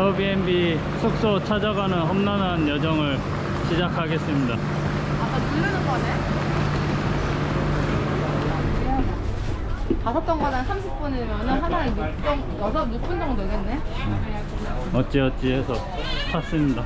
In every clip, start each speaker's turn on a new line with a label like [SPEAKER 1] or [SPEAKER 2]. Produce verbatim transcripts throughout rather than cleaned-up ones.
[SPEAKER 1] 에어비앤비 숙소 찾아가는 험난한 여정을 시작하겠습니다.
[SPEAKER 2] 아까 누르는 거네? 다섯 정거장 삼십 분이면 하나에 육 분, 여섯, 육 분 정도 되겠네?
[SPEAKER 1] 어찌어찌 해서 탔습니다.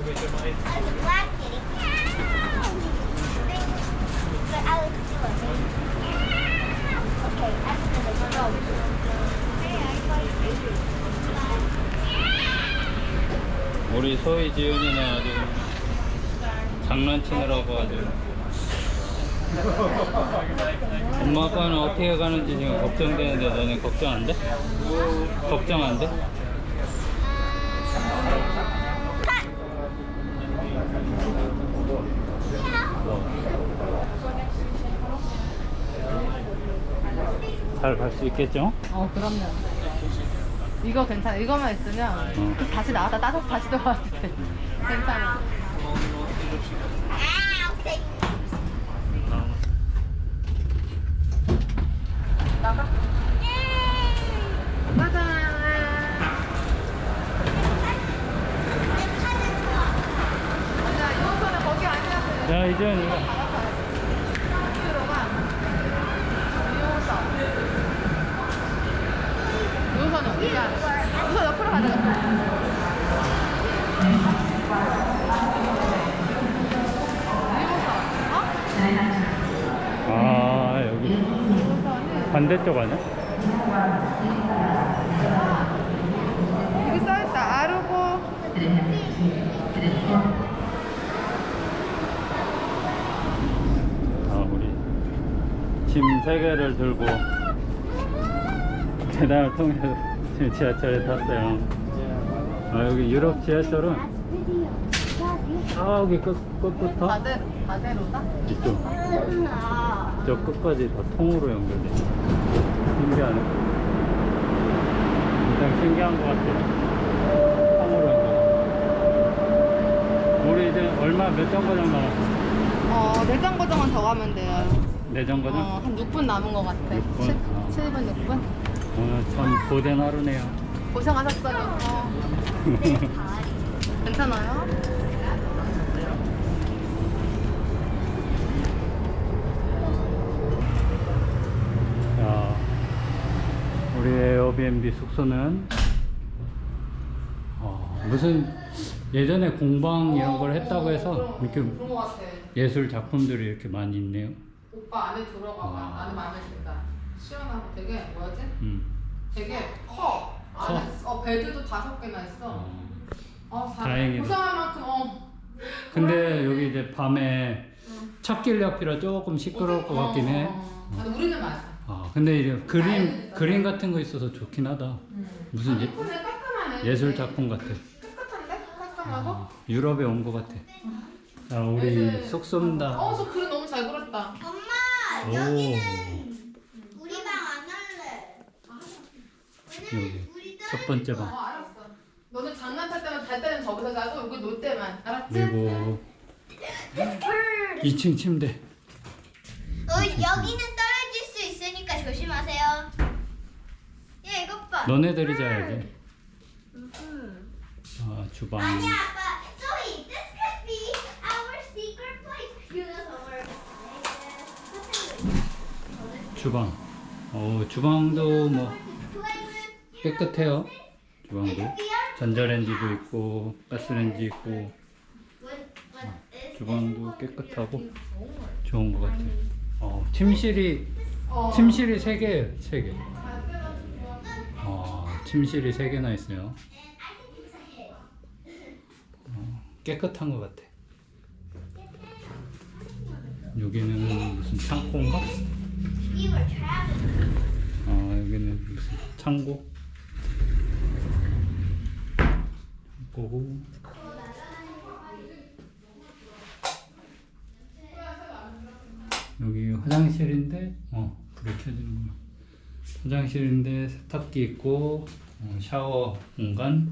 [SPEAKER 1] 우리 소희 지은이는 아주 장난치느라고 아주 엄마 아빠는 어떻게 가는지 지금 걱정되는데 너네 걱정 안 돼? 걱정 안 돼? 잘 갈 수 있겠죠?
[SPEAKER 2] 어, 그럼요. 이거 괜찮아. 이거만 있으면
[SPEAKER 1] 어.
[SPEAKER 2] 다시 나왔다 따서 다시 들어왔을 때 괜찮아. 나가. 가자. 아니야, 이호선은 거기 아니야.
[SPEAKER 1] 자, 이제 이거
[SPEAKER 2] 이호선은 어디야? 이호선 옆으로 가자.
[SPEAKER 1] 아, 여기 반대쪽 아니야?
[SPEAKER 2] 여기 써있다. 아르고.
[SPEAKER 1] 아, 우리 짐 세 개를 들고 계단을 통해서 지금 지하철에 탔어요. 아, 여기 유럽 지하철은 저기 끝, 끝부터
[SPEAKER 2] 바대, 바대로다?
[SPEAKER 1] 이쪽 저 끝까지 다 통으로 연결돼. 신기하네. 굉장히 신기한 것 같아요. 통으로 연결. 우리 이제 얼마 몇 정거장 남았어?
[SPEAKER 2] 어, 내장 고정은 더 가면 돼요.
[SPEAKER 1] 네 정거장?
[SPEAKER 2] 어, 한 육 분 남은 것 같아.
[SPEAKER 1] 육 분? 아.
[SPEAKER 2] 칠 분, 육 분?
[SPEAKER 1] 오늘 참 고된 하루네요.
[SPEAKER 2] 고생하셨어요. 어. 괜찮아요?
[SPEAKER 1] 자, 우리 에어비앤비 숙소는 어, 무슨 예전에 공방 이런 걸 했다고 해서 이렇게
[SPEAKER 2] 그런 것 같아.
[SPEAKER 1] 예술 작품들이 이렇게 많이 있네요.
[SPEAKER 2] 오빠 안에 들어가봐.
[SPEAKER 1] 아.
[SPEAKER 2] 안에 마음에 든다. 시원하고 되게 뭐지?
[SPEAKER 1] 음.
[SPEAKER 2] 되게 커.
[SPEAKER 1] 커?
[SPEAKER 2] 안에 어, 베드도 다섯 개나 있어.
[SPEAKER 1] 어.
[SPEAKER 2] 어, 다
[SPEAKER 1] 다행이다.
[SPEAKER 2] 고생할 만큼 어.
[SPEAKER 1] 근데 여기 이제 밤에
[SPEAKER 2] 응.
[SPEAKER 1] 찻길 옆이라 조금 시끄러울 것 같긴 해.
[SPEAKER 2] 어, 어. 아니, 우리는 맞아.
[SPEAKER 1] 아, 근데 이제 그림
[SPEAKER 2] 다행이다.
[SPEAKER 1] 그림 같은 거 있어서 좋긴 하다.
[SPEAKER 2] 응.
[SPEAKER 1] 무슨 예,
[SPEAKER 2] 예쁘네, 깔끔하네.
[SPEAKER 1] 예술 작품 같아.
[SPEAKER 2] 깨끗한데? 깔끔하고?
[SPEAKER 1] 아, 유럽에 온 것 같아. 자, 우리
[SPEAKER 2] 네.
[SPEAKER 1] 숙소입니다.
[SPEAKER 2] 어, 저 글은 너무 잘 그렸다.
[SPEAKER 3] 엄마,
[SPEAKER 1] 오,
[SPEAKER 3] 여기는 우리 방 안 할래.
[SPEAKER 1] 여기
[SPEAKER 3] 우리
[SPEAKER 1] 첫 번째
[SPEAKER 2] 어,
[SPEAKER 1] 방.
[SPEAKER 2] 알았어. 너는 장난칠 때만 잘 때는 저기서 자고 여기 놀 때만. 알았지?
[SPEAKER 1] 그리고 이 층 침대.
[SPEAKER 3] 어, 여기는 떨어질 수 있으니까 조심하세요. 야, 이것 봐.
[SPEAKER 1] 너네들이 자야지. 아, 주방.
[SPEAKER 3] 아니야, 아빠. Zoe, this could be our secret place.
[SPEAKER 1] 주방. 어, 주방도 뭐 깨끗해요. 주방도. 전자레인지도 있고 가스레인지 있고 주방도 깨끗하고 좋은 것 같아요. 어, 침실이
[SPEAKER 2] 어.
[SPEAKER 1] 침실이 세 개예요, 세 개. 어, 침실이 세 개나 있어요. 어, 깨끗한 것 같아. 여기는 무슨 창고인가?
[SPEAKER 3] We were traveling.
[SPEAKER 1] 어, 여기는 무슨 창고? 창고고. 여기 화장실인데, 어, 불이 켜지는구나. 화장실인데 세탁기 있고, 어, 샤워 공간.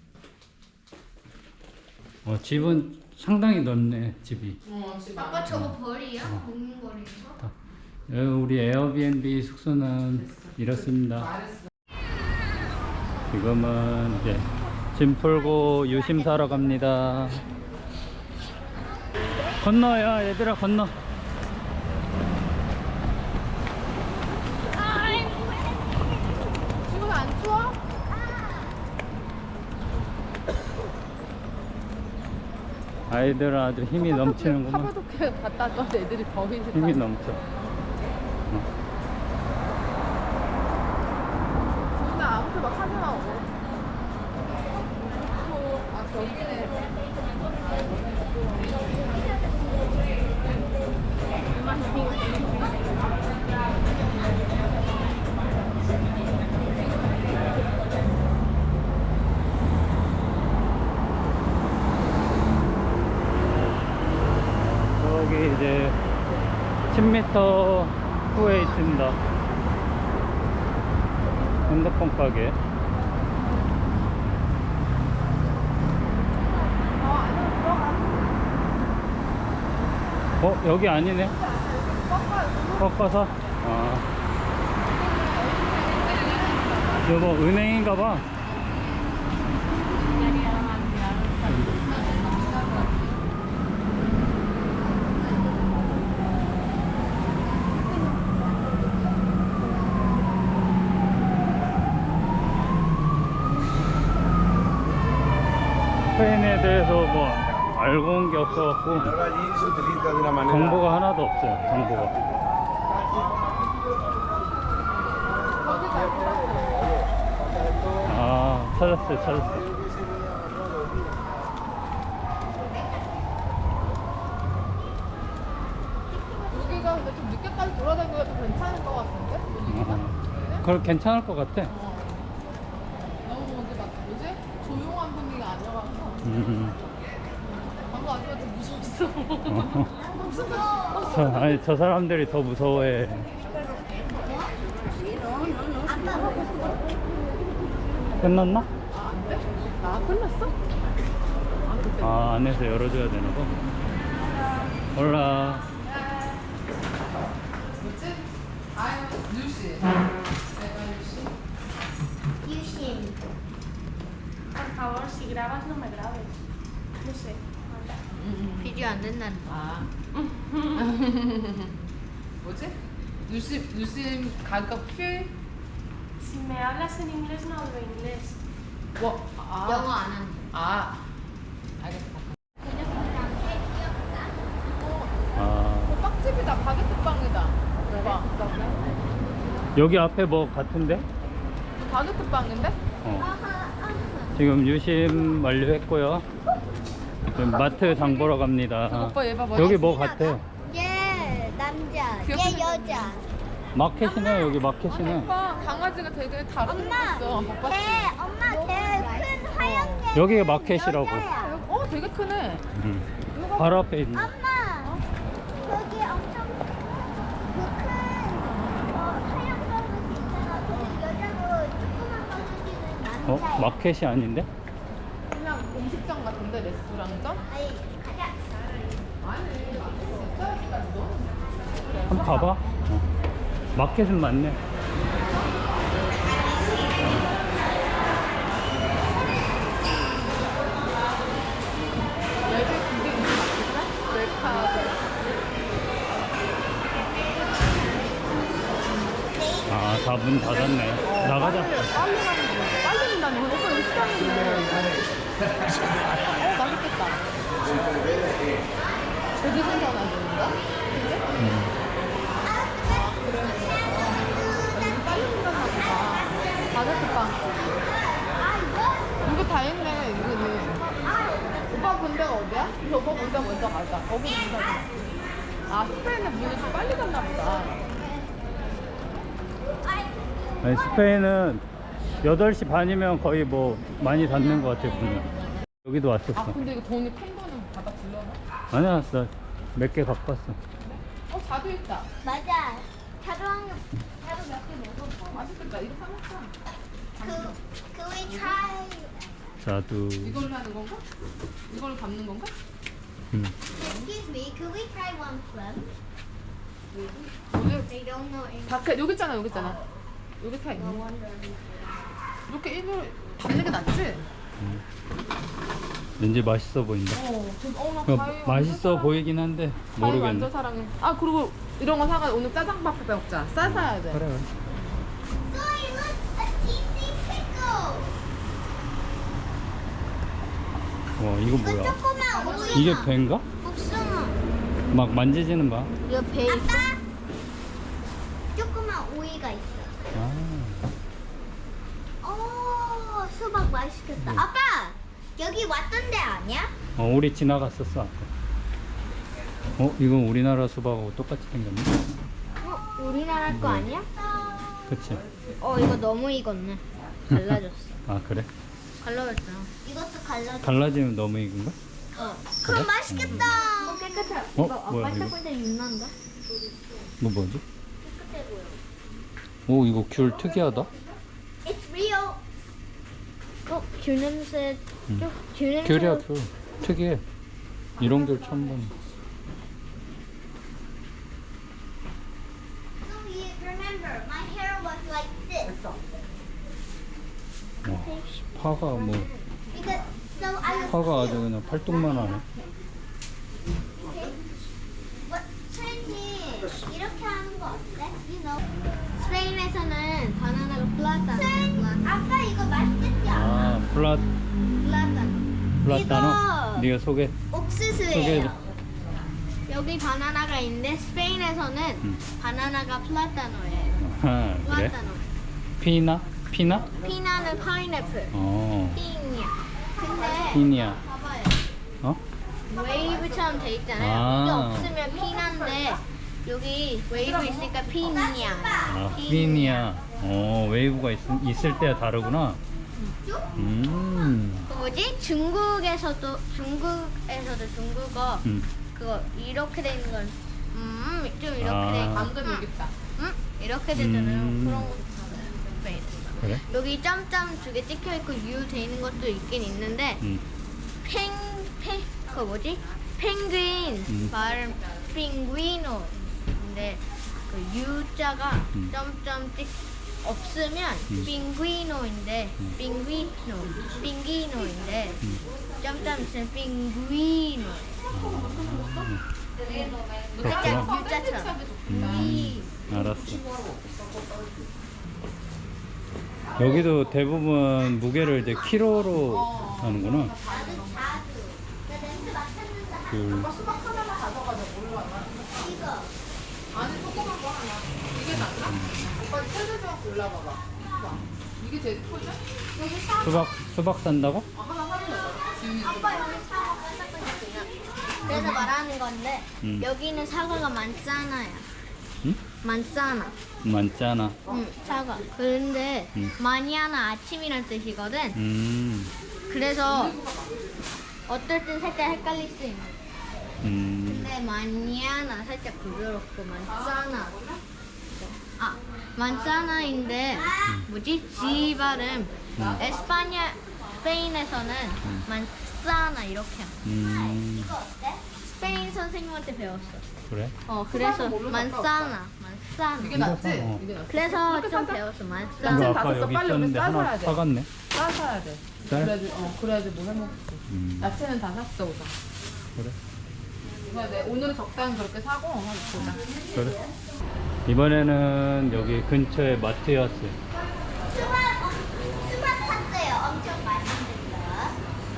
[SPEAKER 1] 어, 집은 상당히 넓네, 집이.
[SPEAKER 2] 어, 집
[SPEAKER 3] 아빠
[SPEAKER 2] 안에.
[SPEAKER 3] 저거 벌이야?
[SPEAKER 1] 어.
[SPEAKER 3] 먹는 거리에서?
[SPEAKER 1] 여기 우리 에어비앤비 숙소는 이렇습니다.
[SPEAKER 2] 말했어.
[SPEAKER 1] 지금은 이제 짐 풀고 유심 사러 갑니다. 건너야 얘들아 건너.
[SPEAKER 2] 지금 안 추워?
[SPEAKER 1] 아이들은 아주 힘이 넘치는구만.
[SPEAKER 2] 카바도케 갔다 또 애들이 더위
[SPEAKER 1] 힘이 넘쳐.
[SPEAKER 2] 나 아무튼 막 하지 마. 아 저기네.
[SPEAKER 1] 저기 이제 십 미터 후에 있습니다. 핸드폰 가게. 어 여기 아니네. 꺾어서. 아 여보 은행인가봐. 스페인에 대해서 뭐 알고 온 게 없어갖고
[SPEAKER 4] Ahora allí se utiliza de una manera.
[SPEAKER 1] 정보가 하나도 없어요. 정보가. 아 찾았어요 찾았어요.
[SPEAKER 2] 여기가 근데 좀 늦게까지 돌아다니기가 좀 괜찮을 것 같은데? 분위기가?
[SPEAKER 1] 어, 그걸 괜찮을 것 같아.
[SPEAKER 2] 어. 너무 뭔지 막 뭐지? 조용한 분위기가 아니라서
[SPEAKER 1] 음.
[SPEAKER 2] 방금 아줌마 좀 무서웠어.
[SPEAKER 1] 어.
[SPEAKER 2] 무슨 거?
[SPEAKER 1] 저, 아니 저 사람들이 더 무서워해. 끝났나?
[SPEAKER 2] 아, 안 돼? 나 끝났어? 아, 그때.
[SPEAKER 1] 아 안에서 열어줘야 되나 봐. 몰라.
[SPEAKER 2] 뭐지? 아유, 뉴시. 내가 뉴시.
[SPEAKER 3] Yushim.
[SPEAKER 5] Por favor, si grabas, no me grabes. No sé. anda.
[SPEAKER 3] 비디오 안 된다는 거.
[SPEAKER 2] 아. 뭐지? 뉴시, 뉴시 가격 퓨?
[SPEAKER 5] Si me hablas en inglés, no hablo inglés.
[SPEAKER 2] 뭐? 아.
[SPEAKER 3] 영어 안 하는
[SPEAKER 2] 아. 알겠어.
[SPEAKER 1] 아
[SPEAKER 2] 어, 빵집이다. 바게트 빵이다. 봐.
[SPEAKER 1] 여기 앞에 뭐 같은데?
[SPEAKER 2] 바게트 빵인데?
[SPEAKER 1] 어. 지금 유심 완료했고요. 지금 마트 장 보러 갑니다.
[SPEAKER 2] 오빠 얘 봐봐.
[SPEAKER 1] 여기 뭐 같아?
[SPEAKER 3] 얘 남자,
[SPEAKER 2] 귀엽게
[SPEAKER 3] 얘 여자.
[SPEAKER 1] 마켓이네. 여기 마켓이네.
[SPEAKER 2] 오빠 강아지가 되게 다른
[SPEAKER 3] 엄마,
[SPEAKER 2] 거 있어. 오빠.
[SPEAKER 3] 걔 엄마 걔 큰 하얀 개.
[SPEAKER 1] 여기가 마켓이라고.
[SPEAKER 2] 어, 되게 크네.
[SPEAKER 1] 음. 바로 앞에 있네.
[SPEAKER 3] 엄마, 저기 엄청 그큰 어, 하얀 버릇이 있잖아. 그 여자로 조그만 버릇이는
[SPEAKER 1] 어?
[SPEAKER 3] 남자야.
[SPEAKER 1] 마켓이 아닌데?
[SPEAKER 2] 그냥 음식점 같은데 레스토랑점?
[SPEAKER 3] 아니, 가자.
[SPEAKER 2] 아니, 진짜
[SPEAKER 1] 한번 봐봐. 어. 마켓은 맞네.
[SPEAKER 2] 얘들 그게 있어? 웰카드.
[SPEAKER 1] 아, 다 문 닫았네. 나가자.
[SPEAKER 2] 빨리, 빨리 가는 거. 빨리 된다니. 오빠 여기 시간인데. 어, 맛있겠다. 되게 신선하던가?
[SPEAKER 1] 음.
[SPEAKER 2] 여기 빨리 된다나 보다. 바게트 빵. 이거 다 있네, 이거는. 오빠 본 데가 어디야? 저 오빠 본 데 먼저 가자. 거기 문 닫아. 아, 스페인은 문이 좀 빨리 닫나 보다.
[SPEAKER 1] 아니, 스페인은 여덟 시 반이면 거의 뭐 많이 닫는 것 같아, 문이. 여기도
[SPEAKER 2] 아,
[SPEAKER 1] 왔었어.
[SPEAKER 2] 근데 이거 돈이 큰 거는 받아 불러나?
[SPEAKER 1] 아니야, 나 몇 개 갖고 왔어.
[SPEAKER 2] 어, 자두 있다.
[SPEAKER 3] 맞아. 자두한 개, 자두 몇 개 먹었어.
[SPEAKER 2] 맛있겠다. 이거 사먹자.
[SPEAKER 3] 그, 그 we try.
[SPEAKER 1] 자두.
[SPEAKER 2] 이걸로 하는 건가? 이걸로 담는 건가?
[SPEAKER 1] 음.
[SPEAKER 3] Excuse me, could we try one from?
[SPEAKER 2] 오늘
[SPEAKER 3] They don't know English.
[SPEAKER 2] 밖에 여기 있잖아, 여기 있잖아. 여기 다 있네. 이렇게 일부러 담는 게 낫지?
[SPEAKER 1] 왠지 맛있어 보인다.
[SPEAKER 2] 어, 지금 어, 나
[SPEAKER 1] 그러니까
[SPEAKER 2] 과일 완전
[SPEAKER 1] 맛있어
[SPEAKER 2] 사랑해.
[SPEAKER 1] 보이긴 한데
[SPEAKER 2] 과일
[SPEAKER 1] 모르겠네.
[SPEAKER 2] 완전 사랑해. 아 그리고 이런 거 사가 오늘 짜장밥 먹자. 싸 사야 돼.
[SPEAKER 1] 그래.
[SPEAKER 3] Zoe, look, a cheesy pickle.
[SPEAKER 1] 와 이거
[SPEAKER 3] 이거
[SPEAKER 1] 뭐야?
[SPEAKER 3] 조그만 오이.
[SPEAKER 1] 이게 배인가?
[SPEAKER 3] 복숭아.
[SPEAKER 1] 막 만지지는 마.
[SPEAKER 3] 이거 배 있어? 아빠, 조그만 오이가 있어.
[SPEAKER 1] 아,
[SPEAKER 3] 오, 수박 맛있겠다.
[SPEAKER 1] 네.
[SPEAKER 3] 아빠, 여기 왔던 데 아니야?
[SPEAKER 1] 어 우리 지나갔었어 아까. 어 이건 우리나라 수박하고 똑같이 생겼네.
[SPEAKER 3] 어, 우리나라 거
[SPEAKER 1] 네.
[SPEAKER 3] 아니야?
[SPEAKER 1] 그치?
[SPEAKER 3] 어, 이거 너무 익었네. 갈라졌어.
[SPEAKER 1] 아 그래?
[SPEAKER 3] 갈라졌어. 이것도 갈라졌어.
[SPEAKER 1] 갈라지면 너무 익은가?
[SPEAKER 3] 어. 그럼
[SPEAKER 1] 그래?
[SPEAKER 3] 맛있겠다. 어, 깨끗해.
[SPEAKER 1] 어?
[SPEAKER 3] 이거
[SPEAKER 1] 뭐야,
[SPEAKER 3] 아빠
[SPEAKER 1] 이거?
[SPEAKER 3] 딱 볼때 윤난다.
[SPEAKER 1] 뭐 뭐지?
[SPEAKER 3] 깨끗해 보여.
[SPEAKER 1] 오 이거 귤 특이하다.
[SPEAKER 3] It's real. 어, 귤 냄새.
[SPEAKER 1] 음.
[SPEAKER 3] 좀, 귤 냄새.
[SPEAKER 1] 귤이야 귤. 특이해. 이런 귤 처음 보네.
[SPEAKER 3] So you remember, my hair was like this.
[SPEAKER 1] 와 씨, 파가 뭐
[SPEAKER 3] Because so I was.
[SPEAKER 1] 파가 아주 그냥 팔뚝만 하네.
[SPEAKER 3] What? 트렌디 이렇게 하는 거 어때? You know. 스페인에서는 바나나가 플라타노. 아빠 이거 맛있겠지?
[SPEAKER 1] 아 플라
[SPEAKER 3] 플라타노.
[SPEAKER 1] 플라타노. 네가 소개
[SPEAKER 3] 옥수수예요.
[SPEAKER 1] 소개해줘.
[SPEAKER 3] 여기 바나나가 있는데 스페인에서는
[SPEAKER 1] 음.
[SPEAKER 3] 바나나가 플라타노예요.
[SPEAKER 1] 아 그래?
[SPEAKER 3] 플라타노.
[SPEAKER 1] 피나 피나?
[SPEAKER 3] 피나는 파인애플.
[SPEAKER 1] 어
[SPEAKER 3] 피니야. 근데
[SPEAKER 1] 피니야.
[SPEAKER 3] 봐봐요.
[SPEAKER 1] 어?
[SPEAKER 3] 웨이브처럼 돼 있잖아요.
[SPEAKER 1] 아.
[SPEAKER 3] 이게 없으면 피나인데 여기 웨이브 있으니까 피니야.
[SPEAKER 1] 아 피니야. 어 웨이브가 있, 있을 때가 다르구나. 음.
[SPEAKER 3] 그 뭐지? 중국에서도 중국에서도 중국어
[SPEAKER 1] 음.
[SPEAKER 3] 그거 이렇게 돼 있는 건 음, 좀 이렇게
[SPEAKER 1] 아.
[SPEAKER 3] 돼 있고
[SPEAKER 2] 방금 얘기했다.
[SPEAKER 3] 음? 이렇게 되잖아요.
[SPEAKER 1] 음.
[SPEAKER 3] 그런 것도 스페인.
[SPEAKER 1] 그래?
[SPEAKER 3] 여기 점점 두 개 찍혀 있고 U 돼 있는 것도 있긴 있는데
[SPEAKER 1] 음.
[SPEAKER 3] 펭, 펭, 그 뭐지? 펭귄
[SPEAKER 1] 음.
[SPEAKER 3] 발음 핑구이노. 근데 그 U자가
[SPEAKER 1] 음.
[SPEAKER 3] 점점 찍 없으면
[SPEAKER 1] 음.
[SPEAKER 3] 핑구이노인데
[SPEAKER 1] 음.
[SPEAKER 3] 핑구이노, 핑기노인데
[SPEAKER 1] 음.
[SPEAKER 3] 점점 있으면 핑구이노.
[SPEAKER 1] 그렇구나.
[SPEAKER 3] U자, U자처럼.
[SPEAKER 1] 음. 알았어. 여기도 대부분 무게를 이제 키로로 하는구나.
[SPEAKER 3] 나도 자주. 나 냄새 맡았는데.
[SPEAKER 1] 귤.
[SPEAKER 2] 수박 하나만 가져가자. 뭘로 하나?
[SPEAKER 3] 이거.
[SPEAKER 2] 아니 조그만 거 하나. 이게 낫나? 오빠 세개 좀 골라봐봐. 봐. 이게 제일 크지?
[SPEAKER 3] 여기 사.
[SPEAKER 1] 수박 수박 산다고?
[SPEAKER 2] 아, 하나 사면 되잖아. 지금
[SPEAKER 3] 아빠 여기 사과 반짝반짝이야. 그래서 말하는 건데
[SPEAKER 1] 음.
[SPEAKER 3] 여기는 사과가 많잖아요.
[SPEAKER 1] 응?
[SPEAKER 3] 많잖아.
[SPEAKER 1] 많잖아.
[SPEAKER 3] 응, 사과. 그런데
[SPEAKER 1] 음.
[SPEAKER 3] 마니아나 아침이란 뜻이거든.
[SPEAKER 1] 음.
[SPEAKER 3] 그래서 어떨 땐 살짝 헷갈릴 수 있는.
[SPEAKER 1] 음.
[SPEAKER 3] 근데 마니아나 살짝 부드럽고 만짜나. 아, 만짜나인데 뭐지? 지 발음.
[SPEAKER 1] 음.
[SPEAKER 3] 에스파냐 스페인에서는 만짜나 이렇게.
[SPEAKER 1] 음.
[SPEAKER 3] 이거 어때? 스페인 선생님한테 배웠어.
[SPEAKER 1] 그래?
[SPEAKER 3] 어, 그래서
[SPEAKER 2] 뭘로
[SPEAKER 3] 만짜나,
[SPEAKER 2] 이게
[SPEAKER 3] 만짜나.
[SPEAKER 2] 낫지?
[SPEAKER 1] 어.
[SPEAKER 2] 이게 낫지?
[SPEAKER 3] 그래서
[SPEAKER 2] 그렇게
[SPEAKER 3] 좀
[SPEAKER 2] 사자.
[SPEAKER 3] 배웠어,
[SPEAKER 1] 이거
[SPEAKER 3] 만짜나.
[SPEAKER 2] 다
[SPEAKER 1] 아까
[SPEAKER 2] 샀어.
[SPEAKER 1] 여기
[SPEAKER 2] 빨리 우리
[SPEAKER 1] 있었는데 하나
[SPEAKER 2] 싸사야 돼.
[SPEAKER 1] 사갔네.
[SPEAKER 2] 쌀 사야 돼.
[SPEAKER 1] 쌀?
[SPEAKER 2] 그래야지, 어, 그래야지 뭐 해먹지.
[SPEAKER 1] 음.
[SPEAKER 2] 야채는 다 샀어, 우선.
[SPEAKER 1] 그래?
[SPEAKER 2] 그냥 내 오늘은 적당히 그렇게 사고 한번 보자.
[SPEAKER 1] 그래? 이번에는 여기 근처에 마트에 왔어요.
[SPEAKER 3] 수박, 어, 수박 샀어요. 엄청 맛있는 거.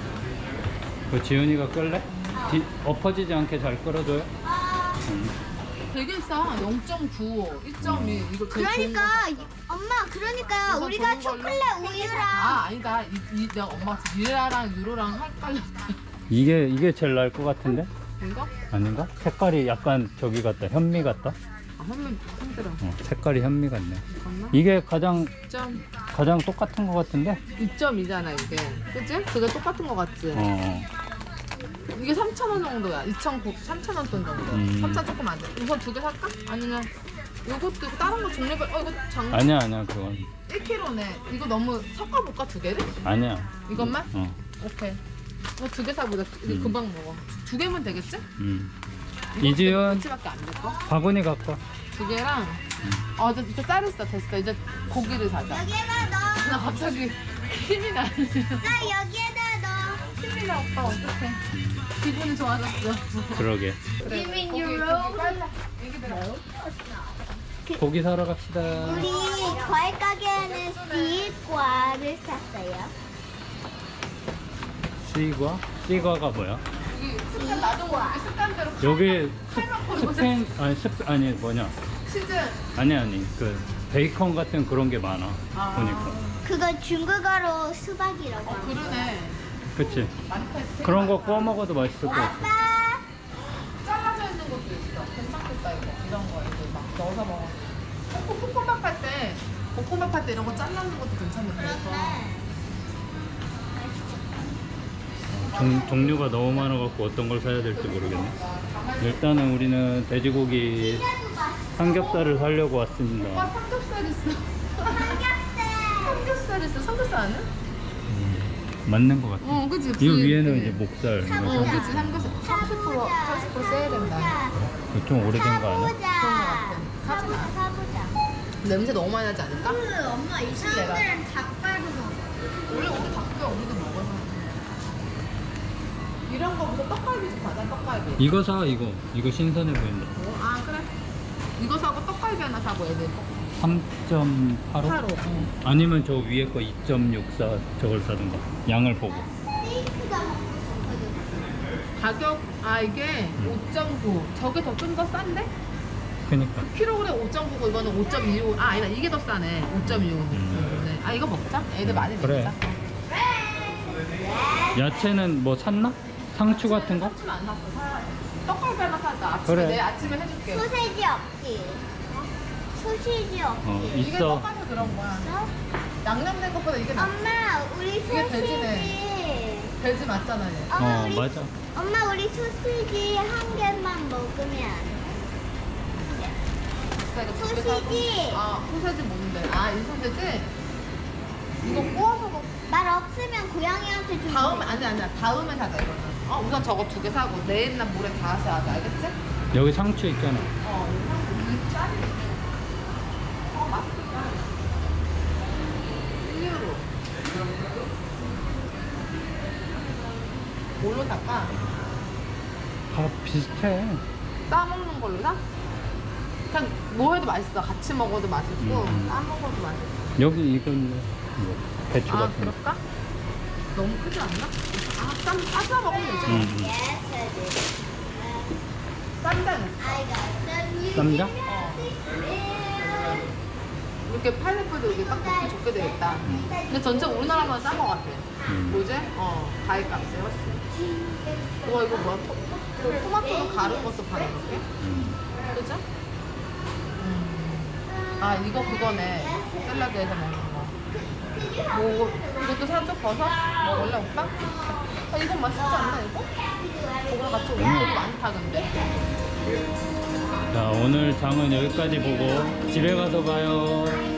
[SPEAKER 1] 그 지훈이가 끌래? 뒤, 엎어지지 않게 잘 끌어줘요?
[SPEAKER 3] 아,
[SPEAKER 1] 응.
[SPEAKER 2] 되게 싸. 영 점 구, 이 점 이. 이거 제일 좋은 거.
[SPEAKER 3] 그러니까 이- 엄마, 그러니까
[SPEAKER 2] 우선
[SPEAKER 3] 우리가
[SPEAKER 2] 좋은 걸로.
[SPEAKER 3] 초콜릿 우유랑
[SPEAKER 2] 아, 아니다. 이, 이 내가 엄마 미라랑 유로랑 헷갈렸다.
[SPEAKER 1] 이게 이게 제일 나을 것 같은데?
[SPEAKER 2] 이거?
[SPEAKER 1] 아닌가? 색깔이 약간 저기 같다. 현미 같다.
[SPEAKER 2] 아, 한번 힘들어.
[SPEAKER 1] 어, 색깔이 현미 같네.
[SPEAKER 2] 잠깐만.
[SPEAKER 1] 이게 가장
[SPEAKER 2] 이 점,
[SPEAKER 1] 가장 똑같은 것 같은데?
[SPEAKER 2] 이 점이잖아, 이게. 그치? 그게 똑같은 거 같지?
[SPEAKER 1] 어.
[SPEAKER 2] 이게 삼천 원 정도야. 이천구, 삼천 원 돈 정도.
[SPEAKER 1] 음.
[SPEAKER 2] 삼천 조금 안 돼. 우선 두 개 살까? 아니면 이것도 있고 다른 거 종류별, 어, 이거 장
[SPEAKER 1] 아니야 아니야 그건
[SPEAKER 2] 일 킬로그램네. 이거 너무 섞어볼까, 두 개를?
[SPEAKER 1] 아니야.
[SPEAKER 2] 이것만?
[SPEAKER 1] 어.
[SPEAKER 2] 오케이. 이거 두 개 사보자. 이거
[SPEAKER 1] 음.
[SPEAKER 2] 금방 먹어. 두 개면 되겠지?
[SPEAKER 1] 음.
[SPEAKER 2] 이거
[SPEAKER 1] 이지연
[SPEAKER 2] 며칠밖에 안 될거?
[SPEAKER 1] 바구니 갖고 와.
[SPEAKER 2] 두 개랑 어 이제 이제 쌀 있어. 됐어. 이제 고기를 사자.
[SPEAKER 3] 여기에다 넣어.
[SPEAKER 2] 나 갑자기 힘이 나네.
[SPEAKER 3] 자, 여기에다
[SPEAKER 2] 힘이나 오빠 어떡해. 기분이 좋아졌어.
[SPEAKER 1] 그러게.
[SPEAKER 2] 그래.
[SPEAKER 3] You mean
[SPEAKER 2] 거기
[SPEAKER 3] your
[SPEAKER 2] 거기
[SPEAKER 3] road?
[SPEAKER 2] 빨라. 얘기들아.
[SPEAKER 1] 고기 사러 갑시다.
[SPEAKER 3] 우리 과일 가게에는 시과를 샀어요.
[SPEAKER 1] 시과? 시과가 뭐야?
[SPEAKER 2] 여기 습관 나도 모르게 습관대로
[SPEAKER 1] 여기
[SPEAKER 2] 칼만 걸고
[SPEAKER 1] 스팸 아니 스 아니 뭐냐?
[SPEAKER 2] 치즈.
[SPEAKER 1] 아니 아니 그 베이컨 같은 그런 게 많아.
[SPEAKER 2] 아.
[SPEAKER 1] 보니까.
[SPEAKER 3] 그거 중국어로 수박이라고.
[SPEAKER 2] 어 그러네.
[SPEAKER 1] 그치?
[SPEAKER 2] 많이 팔지.
[SPEAKER 1] 그런 거 구워 먹어도 맛있을 것 같아.
[SPEAKER 3] 아빠.
[SPEAKER 2] 잘라져 있는 것도 있어. 괜찮겠다 이거. 이런 거 이거 막 넣어서 먹어. 볶- 볶음밥 할 때, 볶음밥 할 때 이런 거 잘라는 것도 괜찮은데.
[SPEAKER 3] 그런데
[SPEAKER 1] 종, 종류가 너무 많아갖고 어떤 걸 사야 될지 모르겠네. 일단은 우리는 돼지고기 삼겹살을 사려고
[SPEAKER 2] 오빠
[SPEAKER 1] 왔습니다.
[SPEAKER 2] 삼겹살 있어.
[SPEAKER 3] 삼겹살.
[SPEAKER 2] 삼겹살 있어. 삼겹살 아는?
[SPEAKER 1] 음, 맞는 것 같아.
[SPEAKER 2] 어, 그치.
[SPEAKER 1] 이 위에는 이제 목살.
[SPEAKER 2] 어,
[SPEAKER 1] 이거 사-
[SPEAKER 2] 그치. 삼겹살 삼십 퍼센트, 팔십 퍼센트 세일된다.
[SPEAKER 1] 이거 좀 오래된 거 아니야?
[SPEAKER 3] 사보자.
[SPEAKER 2] 그런 거 같아.
[SPEAKER 3] 사보자. 사보자.
[SPEAKER 2] 냄새 너무 많이 나지 않을까?
[SPEAKER 3] 엄마 이 사람들은 닭발도 먹어.
[SPEAKER 2] 원래 우리 닭뼈 우리도 먹어서. 이런 거보다 떡갈비 좀 가자. 떡갈비.
[SPEAKER 1] 이거 사 이거. 이거 신선해 보인다.
[SPEAKER 2] 어, 아 그래. 이거 사고 떡갈비 하나 사고 애들 거.
[SPEAKER 1] 삼 점 팔오?
[SPEAKER 2] 하루. 응.
[SPEAKER 1] 아니면 저 위에 거 이 점 육사 저걸 사든가. 양을 보고.
[SPEAKER 3] 스테이크가 먹고 싶어졌어.
[SPEAKER 2] 가격 아 이게 오 점 구. 저게 더 좀 더 싼데?
[SPEAKER 1] 그니까.
[SPEAKER 2] 킬로그램 오 점 구고 이거는 오 점 이오. 아 아니다 이게 더 싸네. 오 점 이오.
[SPEAKER 1] 음.
[SPEAKER 2] 네. 아 이거 먹자. 애들 많이
[SPEAKER 1] 그래.
[SPEAKER 2] 먹자.
[SPEAKER 1] 야채는 뭐 샀나? 상추 같은 거?
[SPEAKER 2] 삼촌 안 샀어. 사야 돼. 떡갈비 하나 사자. 아침에
[SPEAKER 1] 그래.
[SPEAKER 2] 내일 아침에 해줄게.
[SPEAKER 3] 소세지 없지? 소시지 없지?
[SPEAKER 1] 어,
[SPEAKER 2] 이게
[SPEAKER 1] 있어.
[SPEAKER 2] 떡갈비 그런 거야.
[SPEAKER 3] 있어?
[SPEAKER 2] 양념된 것보다 이게 낫.
[SPEAKER 3] 엄마 우리
[SPEAKER 2] 이게
[SPEAKER 3] 소시지.
[SPEAKER 2] 돼지네. 돼지 맞잖아 얘.
[SPEAKER 3] 엄마
[SPEAKER 1] 어,
[SPEAKER 3] 우리
[SPEAKER 1] 맞아.
[SPEAKER 3] 엄마 우리 소시지 한 개만 먹으면
[SPEAKER 2] 비싸, 이거 두개
[SPEAKER 3] 소시지.
[SPEAKER 2] 사고. 아 소세지 뭔데? 아 이 소세지? 이거 구워서 먹.
[SPEAKER 3] 말 없으면 고양이한테 좀
[SPEAKER 2] 다음에 아니 아니야 다음에 사자 이거는. 어 우선 저거 두 개 사고 내일 날 모레 다시 하자 알겠지?
[SPEAKER 1] 여기 상추 있잖아.
[SPEAKER 2] 어 이거 이 짤이. 어 맛있겠다. 일 유로. 뭘로 살까?
[SPEAKER 1] 다 비슷해.
[SPEAKER 2] 싸 먹는 걸로 사? 그냥 뭐 해도 맛있어. 같이 먹어도 맛있고
[SPEAKER 1] 음.
[SPEAKER 2] 싸 먹어도 맛있어.
[SPEAKER 1] 여기 이건 뭐 배추
[SPEAKER 2] 아
[SPEAKER 1] 같은 거.
[SPEAKER 2] 그럴까? 너무 크지 않나? 아 쌈, 싸서 먹으면 되지.
[SPEAKER 1] 음, 음.
[SPEAKER 2] 쌈장 있어.
[SPEAKER 1] 쌈장?
[SPEAKER 2] 이렇게 파인애플도 이렇게 딱 먹기 좋게 되겠다. 근데 전체 우리나라만 싼 거 같아.
[SPEAKER 1] 음.
[SPEAKER 2] 뭐지? 어, 과일 값이 훨씬. 우와, 이거 뭐야? 토, 그 토마토도 가른 것도 파는 거게?
[SPEAKER 1] 음.
[SPEAKER 2] 그죠? 음. 아, 이거 그거네. 샐러드에서 먹는 거. 뭐, 이것도 살짝 버섯? 먹을래, 오빠? 아, 이건 맛있지 않나, 이거? 이거랑 같이 오늘이 많다, 근데.
[SPEAKER 1] 자, 오늘 장은 여기까지 보고 집에 가서 봐요.